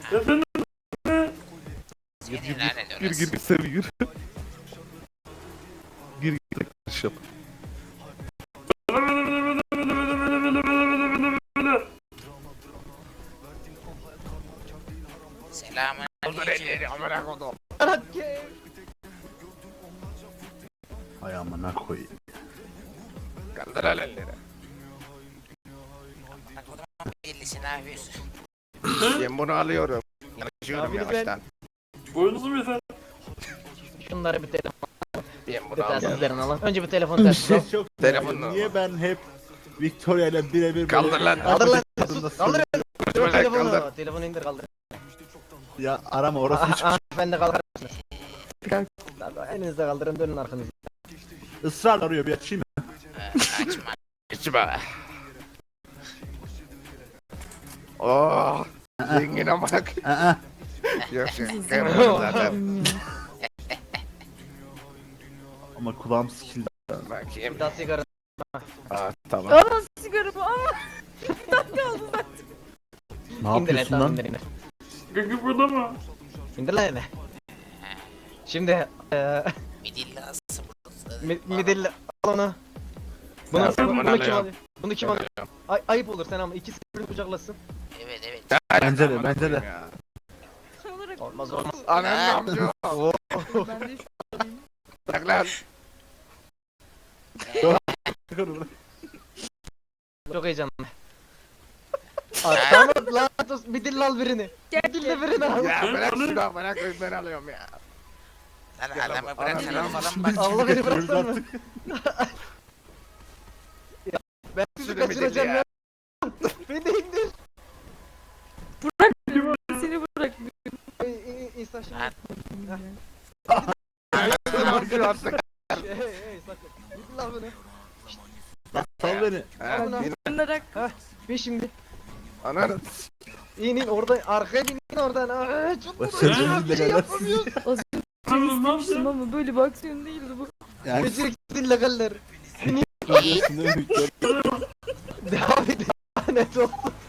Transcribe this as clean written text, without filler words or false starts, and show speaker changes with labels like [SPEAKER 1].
[SPEAKER 1] Efendim?
[SPEAKER 2] Seni lanet
[SPEAKER 3] Gir
[SPEAKER 2] orası.
[SPEAKER 3] gir seni gir. Gir gir yap.
[SPEAKER 2] Selamun aleyküm.
[SPEAKER 4] Hay amına koyayım.
[SPEAKER 3] Kaldır elleri.
[SPEAKER 2] Bak o zaman bellisi ne yapıyorsun?
[SPEAKER 3] Ben bunu alıyorum. Yanaşıyorum
[SPEAKER 5] Abi
[SPEAKER 3] yavaştan.
[SPEAKER 1] Boyunuzu mu yeter?
[SPEAKER 5] Şunları bir telefon
[SPEAKER 3] Ben bunu alıyorum.
[SPEAKER 5] telsizlerini alın. Önce bir telefon telsizi al.
[SPEAKER 4] Çok
[SPEAKER 3] Telefonla.
[SPEAKER 4] Niye ben hep Victoria ile birebir
[SPEAKER 3] Kaldır lan.
[SPEAKER 5] Kaldır lan.
[SPEAKER 4] Kadınla
[SPEAKER 5] Kaldır.
[SPEAKER 3] Kaldır.
[SPEAKER 5] Telefonu. Telefonu indir kaldır.
[SPEAKER 4] Ya arama orası hiç
[SPEAKER 5] Ben de kalkar mısınız? Elinizde kaldırın dönün arkanızı.
[SPEAKER 4] ısrar arıyor bir açayım mı?
[SPEAKER 2] Açma.
[SPEAKER 3] İçme. Oh. Zengin amına koyayım.
[SPEAKER 4] Aa,
[SPEAKER 3] Yok şey. Zaten.
[SPEAKER 4] ama kulağım sikildi.
[SPEAKER 3] Bakayım.
[SPEAKER 5] Bir daha sigara.
[SPEAKER 3] Aa tamam.
[SPEAKER 6] Aa sigaramı aa.
[SPEAKER 4] Ne
[SPEAKER 5] İndir
[SPEAKER 4] yapıyorsun
[SPEAKER 5] tamam
[SPEAKER 4] lan?
[SPEAKER 5] indir indir.
[SPEAKER 1] Gıgı burada mı?
[SPEAKER 5] İndir lan eline. Şimdi
[SPEAKER 2] Midillası
[SPEAKER 5] midilli al onu. Bunu,
[SPEAKER 3] Ya, ben bunu
[SPEAKER 5] bunu kim
[SPEAKER 3] alıyorum.
[SPEAKER 5] alıyor? Bunu kim alıyor? Ayıp olur sen ama ikisi birbirini kucaklasın.
[SPEAKER 2] Evet evet.
[SPEAKER 4] Bence de, bence de.
[SPEAKER 6] Olarak
[SPEAKER 5] Olmaz olmaz.
[SPEAKER 3] Ananın amca.
[SPEAKER 6] ben de şu
[SPEAKER 3] Bırak lan.
[SPEAKER 5] Çok heyecanlı. Tamam lan sus midilli al birini. Midilli birini al.
[SPEAKER 3] Ya bırak şunu amına koyayım ben alıyorum ya.
[SPEAKER 2] Lan adamı bırakın
[SPEAKER 3] Anam.
[SPEAKER 2] falan bak.
[SPEAKER 5] Allah beni bıraksana mı? Ben sizi
[SPEAKER 3] Sürü midilli
[SPEAKER 5] kaçıracağım
[SPEAKER 3] ya.
[SPEAKER 5] ya. Beni de indir.
[SPEAKER 6] seni bırak.
[SPEAKER 5] İsa şimdi.
[SPEAKER 3] Dur artık.
[SPEAKER 5] Hey sakın. Midilli al beni.
[SPEAKER 4] Sal beni.
[SPEAKER 3] Ha,
[SPEAKER 5] Ulan.
[SPEAKER 3] yine
[SPEAKER 6] Bunlara
[SPEAKER 5] Bir şimdi.
[SPEAKER 3] ananı.
[SPEAKER 5] İnin orada arkaya bin oradan. Çok
[SPEAKER 4] Bak sen
[SPEAKER 5] vuruyor. Bir şey yapamıyorsun.
[SPEAKER 6] istemiştim ama böyle bir aksiyon değildi bu.
[SPEAKER 4] Yani
[SPEAKER 5] Beceriksiz legaller.
[SPEAKER 4] görüyorsun değil mi Victoria?
[SPEAKER 5] Devam et. Lanet olsun.